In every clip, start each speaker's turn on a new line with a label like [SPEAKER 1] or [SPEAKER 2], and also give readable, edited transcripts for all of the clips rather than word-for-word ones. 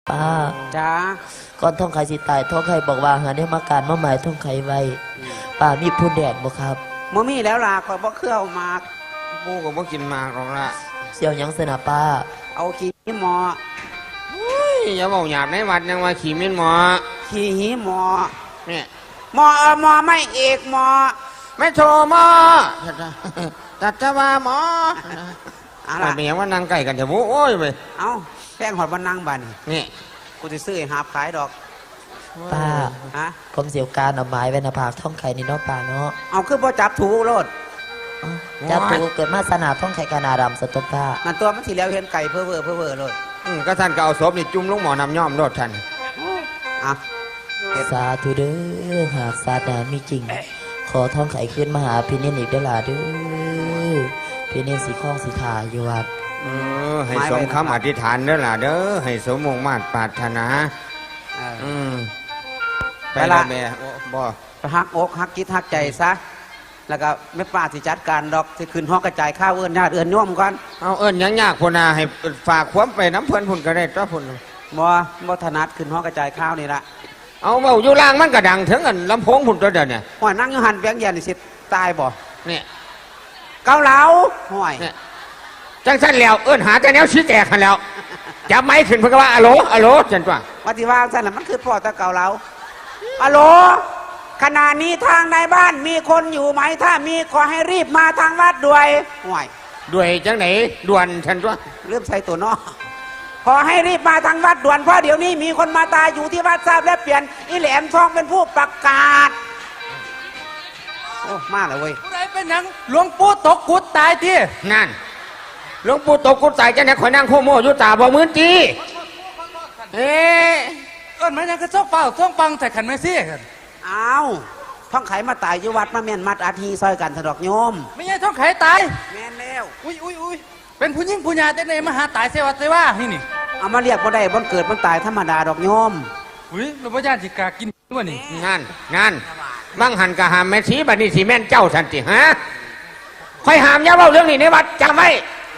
[SPEAKER 1] ป้า
[SPEAKER 2] จ้า
[SPEAKER 1] ก่อนท่องไข่สิตายท่องไข่บอกว่าหาได้มาการมาหมายท่องไข่ไว้ป้ามีผู้แดดบ่ครับ
[SPEAKER 2] บ่มีแล้วล่ะคอยบ่เครื่อเอามาก
[SPEAKER 3] ปูก็บ่กินมากหรอกละ
[SPEAKER 1] เสี่ยวยังสนะป้า
[SPEAKER 2] เอาขี้หมอ
[SPEAKER 3] อย่าบอกหยาบในวัดยังว่าขี่มิ้นหมอ
[SPEAKER 2] ขี้หีหมอ
[SPEAKER 3] เนี่ย
[SPEAKER 2] หมอหมอไม่เอกหมอ
[SPEAKER 3] ไม่โทรหมอตัดจะว่าหมออะไรเป็นอย่างว่านั่งใกล้กันจะบุโอ้ยไป
[SPEAKER 2] เอาแป้งหอดวันนั่งบัน
[SPEAKER 3] นี่
[SPEAKER 2] กูจะซื้อหาบขายดอก
[SPEAKER 1] ป้า
[SPEAKER 2] ฮะ
[SPEAKER 1] ผมเสี่ยวการเอาไม้ไว้หน้าผากท่องไข่นี่เนาะป้าเนาะ
[SPEAKER 2] เอาคือบ่จับถูโลด
[SPEAKER 1] จับถูเกิดมาสนาท่องไข่กานาดำสต๊อปป้า
[SPEAKER 2] นั่นตัวมันสีแล้วเห็นไก่เพ้อเพ้อเลย
[SPEAKER 3] ก็ท่านก็เอาศพนี่จุ่มลงหมอนำย่อมโลดท่าน
[SPEAKER 2] อ่ะ
[SPEAKER 1] สาธุเด้อหากศาสนามีจริงขอท่องไข่ขึ้นมาหาพี่เนนอีกเด้อล่ะเด้อพี่เนนสีข้องสีขาอยู่วัด
[SPEAKER 3] ให้สมคำอธิษฐานเด้อล่ะเด้อให้สมมุ่งมั่นปรารถนาไปละแม่บ่
[SPEAKER 2] ฮักอกฮักคิดฮักใจซะแล้วก็ไม่ป้าสิจัดการดอกสิขึ้นห้องกระจายข้าวเอื้อนญาติเอื้อนโยมก่อน
[SPEAKER 3] เอาเอื้อนยังยากพุ่นน่ะให้ฝากความไปน้ำเพิ่นพุ่นก็ได้ตัวพุ่น
[SPEAKER 2] บ่ถนัดขึ้นห้องกระจายข้าวนี่ละ
[SPEAKER 3] เอาเบาอยู่ล่างมันก็ดังถึงกันลำโพงพุ่นตัวเดียวเนี่ย
[SPEAKER 2] ห่วยนั่งอยู่หันเบียงเย็นสิตายบ่
[SPEAKER 3] เนี่ย
[SPEAKER 2] เกาเหลาห่วย
[SPEAKER 3] จังสั้นแล้วเอื้อนหาแต่แนวชี้แตกกันแล้วจับไม้ขึ้นเพื่อว่าอะโหลอะโหลจันจ้า
[SPEAKER 2] วัติว่าสั้นแหละมันคือพ่อตะเกาเหลาอะโหลขณะนี้ทางในบ้านมีคนอยู่ไหมถ้ามีขอให้รีบมาทางวัดด้วยห่วย
[SPEAKER 3] ด้วยจังไหนด่วนฉันจ้า
[SPEAKER 2] เริ่มใส่ตัวนอขอให้รีบมาทางวัดด่วนเพราะเดี๋ยวนี้มีคนมาตายอยู่ที่วัดทราบและเปลี่ยนอีแหลมทองเป็นผู้ประกาศโอ้มาเลยเว้ย
[SPEAKER 4] ผู้ใดเป็นหนังหลวงปู่ตกกุดตายที่
[SPEAKER 3] นั่นหลวงปู่ตกกุดตายจังไหนข่อยนั่งโคโมอยู่ตาบ่มือจี
[SPEAKER 4] เอ๊ะก้อนมันยังกระซอกเปล่าซ่องปังแต่ขันไม่เสียกัน
[SPEAKER 2] อ้าวท่องไขมาตายอยู่วัดมาแม่นมัดอาทีซอยกันสะดอกโยม
[SPEAKER 4] ไม่ใช่ท่องไขตาย
[SPEAKER 2] แม่นแล้ว
[SPEAKER 4] อุ้ยเป็นผู้หญิงผู้หญิงแต่ในมหาตายเสวัสดิ์เสว่านี่
[SPEAKER 2] เอามาเรียกว่าได้บนเกิดบนตายธรรมดาดอกโยม
[SPEAKER 4] อุ้ยเราพระญาติกากินด้วยนี่
[SPEAKER 3] งานมั่งหันกะหามแม่ชีบัดนี้สีแม่นเจ้าสันติฮะค่อยหามย่าเล่าเรื่องนี้ในวัดจำไว้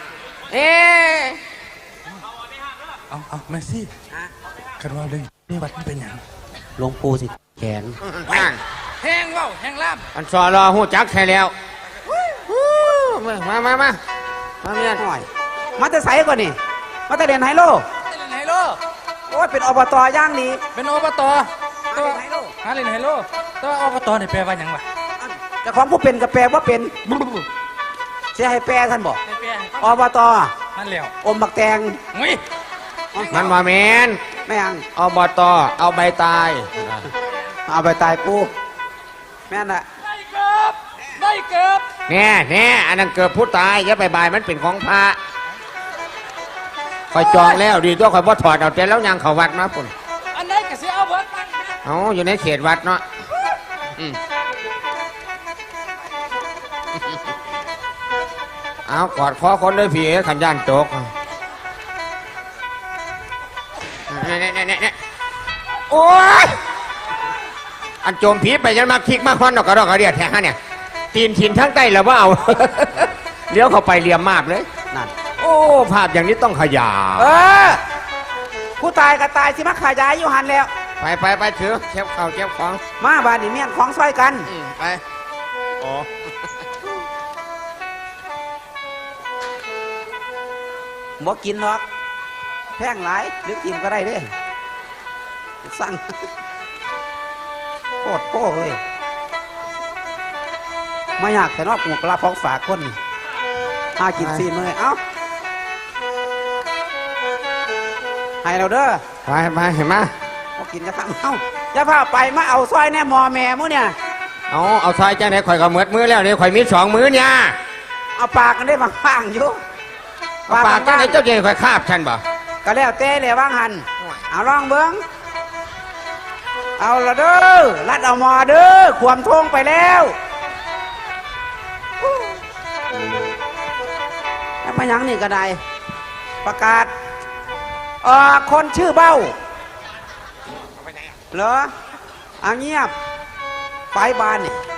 [SPEAKER 4] เอาแม่ซี่คันว่าเรื่องนี่วัดมันเป็นอย่าง
[SPEAKER 2] หลวงปู่สิแขน
[SPEAKER 4] แห้งเล่าแห้งล่าม
[SPEAKER 3] อันสอรอหูจักแค่แล้วมาเมีย
[SPEAKER 2] หน่อยมาแต่ใสก่อนนี่มาแต่เรียนไฮโลโอ้ยเป็นอบตย่างนี้
[SPEAKER 4] เป็นอบตตัวหาเล่นไฮโลตัวอบตเนี่ยแปลว่าอย่างไร
[SPEAKER 2] แต่ของผู้เป็นกับแปลว่าเป็นเสียให้แปลท่านบอกอบต
[SPEAKER 4] นั่นแล้ว
[SPEAKER 2] อมบักแตง
[SPEAKER 3] มันมาเมน
[SPEAKER 2] ไม่ยัง
[SPEAKER 3] อบตเอาใบตาย
[SPEAKER 2] เอาใบตายปูแม่น่ะ
[SPEAKER 4] ได้เกือบ
[SPEAKER 3] แน่อันนั้นเกือบผู้ตายอย่าไปบายมันเป็นของพระคอยจองแล้วดีตัวคอยบ่ถอดเอาแต่แล้วยังเขาวัดมาปุ่น
[SPEAKER 4] อันไหนก็เสียเอาวัด
[SPEAKER 3] เอาอยู่ในเขตวัดเนาะเอากอดคอคนเลยพี่ขันย่านโจกโอ้ยอันโจมผีไปยันมาคิกมาควันดอกกระดอกกระเดียดแท้ฮะเนี่ยตีนถิ่นทั้งใต้แล้วว่าเอาเลี้ยวเข้าไปเลียมมากเลย
[SPEAKER 2] นั่น
[SPEAKER 3] โอ้ภาพอย่างนี้ต้องขยาย
[SPEAKER 2] ผู้ตายก็ตายสิมาขายายอยู่หันแล้ว
[SPEAKER 3] ไปถือเก็บข้าวเก็บของ
[SPEAKER 2] มาบ้านนี่เมียนของซอยกัน
[SPEAKER 3] ไปโอ้
[SPEAKER 2] บ่กินหรอกแพงหลายหรือกินก็ได้เด้สั่งโคตรโป้เลยไม่อยากแต่นอกหมูกระพองฝากคนกินซีนเลยเอ้าให้เราเด้อ
[SPEAKER 3] ไปเห็นไหม
[SPEAKER 2] มากินจะทำเอ้าจะพาไปมาเอาซอยแน่มอแม่มื้อเนี่ย
[SPEAKER 3] เอาซอยจ้าไหนข่อยก็เหมือดมือแล้วเนี่ยข่อยมี2 มื้อเนี่ย
[SPEAKER 2] เอาปากกันได้บางๆอยู่
[SPEAKER 3] ปากจ้าไหนเจ้าเจ๋ข่อยคาบฉันบ่
[SPEAKER 2] ก็แล้วเต้เลยว่างหันเอาลองเบิ้งเอาละเด้อรัดเอามอเด้อขวมทงไปแล้วแล้วมายังนี่ก็ได้ประกาศคนชื่อเบ้าเหรอเงียบไปบ้านนี่